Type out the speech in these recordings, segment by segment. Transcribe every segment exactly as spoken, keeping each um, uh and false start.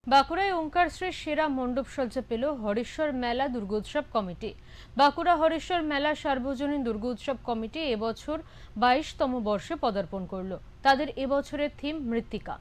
বাঁকুড়ায় ওঙ্কারশ্রীর সেরা মণ্ডপ সজ্জা পেল হরেশ্বর মেলা দুর্গোৎসব কমিটি। বাঁকুড়া হরেশ্বর মেলা সার্বজনীন দুর্গোৎসব কমিটি এবছর বাইশতম বর্ষে পদার্পণ করল। তাদের এবছরের থিম মৃত্তিকা।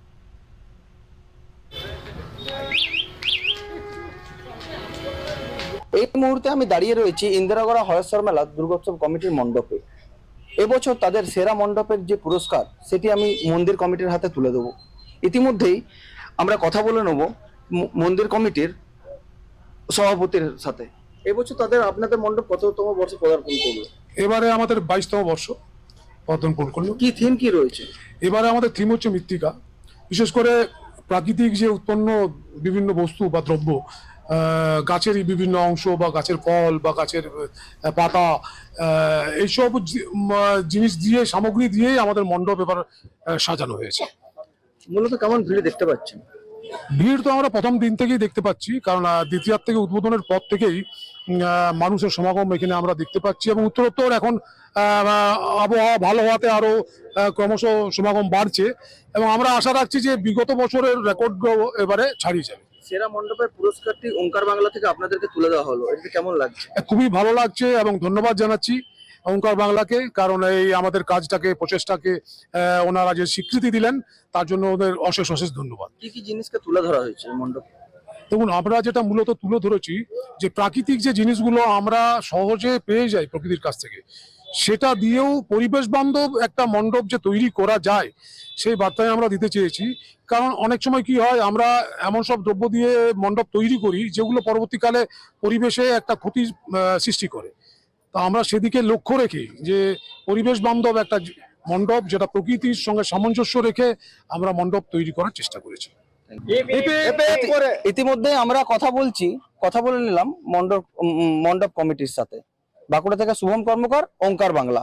এই মুহূর্তে আমি দাঁড়িয়ে রয়েছি ইন্দিরাগড়া হরেশ্বর মেলা দুর্গোৎসব কমিটির মণ্ডপে। এবছর তাদের সেরা মণ্ডপের যে পুরস্কার সেটি আমি মন্দির কমিটির হাতে তুলে দেবো। ইতিমধ্যেই আমরা কথা বলে নেব মন্দির কমিটির সভাপতির সাথে। এবছর তাদের আপনাদের মণ্ডপ কততম বর্ষে পদার্পণ করলো? এবারে আমাদের বাইশতম বর্ষ পদার্পণ করলো। কি থিম কি রয়েছে? এবারে আমাদের থিম হচ্ছে মৃত্তিকা। বিশেষ করে প্রাকৃতিক যে উৎপন্ন বিভিন্ন বস্তু বা দ্রব্য, গাছেরই বিভিন্ন অংশ বা গাছের ফল বা গাছের পাতা, এইসব জিনিস দিয়ে সামগ্রী দিয়েই আমাদের মণ্ডপ এবার সাজানো হয়েছে। মূলত কেমন ভিড় দেখতে পাচ্ছেন? ভিড় তো আমরা প্রথম দিন থেকেই দেখতে পাচ্ছি, কারণ দ্বিতীয়ার থেকে উদ্বোধনের পর থেকেই মানুষের সমাগম এখানে আমরা দেখতে পাচ্ছি এবং উত্তরোত্তর এখন আবহাওয়া ভালো হওয়াতে আরো ক্রমশ সমাগম বাড়ছে এবং আমরা আশা রাখছি যে বিগত বছরের রেকর্ড এবারে ছাড়িয়ে যাবে। সেরা মণ্ডপের পুরস্কারটি ওঙ্কার বাংলা থেকে আপনাদেরকে তুলে দেওয়া হলো, এটা কেমন লাগছে? খুবই ভালো লাগছে এবং ধন্যবাদ জানাচ্ছি ওঙ্কার বাংলাকে, কারণ এই আমাদের কাজটাকে প্রচেষ্টাকে ওনারা যে স্বীকৃতি দিলেন তার জন্য ওদের অশেষ অশেষ ধন্যবাদ। কি কি জিনিসকে তুলে ধরা হয়েছে মণ্ডপ? দেখুন, আমরা যেটা মূলত তুলে ধরেছি যে প্রাকৃতিক যে জিনিসগুলো আমরা সহজে পেয়ে যাই প্রকৃতির কাছ থেকে, সেটা দিয়েও পরিবেশ বান্ধব একটা মণ্ডপ যে তৈরি করা যায় সেই বার্তায় আমরা দিতে চেয়েছি। কারণ অনেক সময় কি হয়, আমরা এমন সব দ্রব্য দিয়ে মণ্ডপ তৈরি করি যেগুলো পরবর্তীকালে পরিবেশে একটা ক্ষতি সৃষ্টি করে। তা আমরা সেদিকে লক্ষ্য রেখে যে পরিবেশ বান্ধব একটা মণ্ডপ, যেটা প্রকৃতির সঙ্গে সামঞ্জস্য রেখে আমরা মণ্ডপ তৈরি করার চেষ্টা করেছি। ইতিমধ্যে আমরা কথা বলছি কথা বলে নিলাম মণ্ডপ মণ্ডপ কমিটির সাথে। বাঁকুড়া থেকে শুভম কর্মকার, ওঙ্কার বাংলা।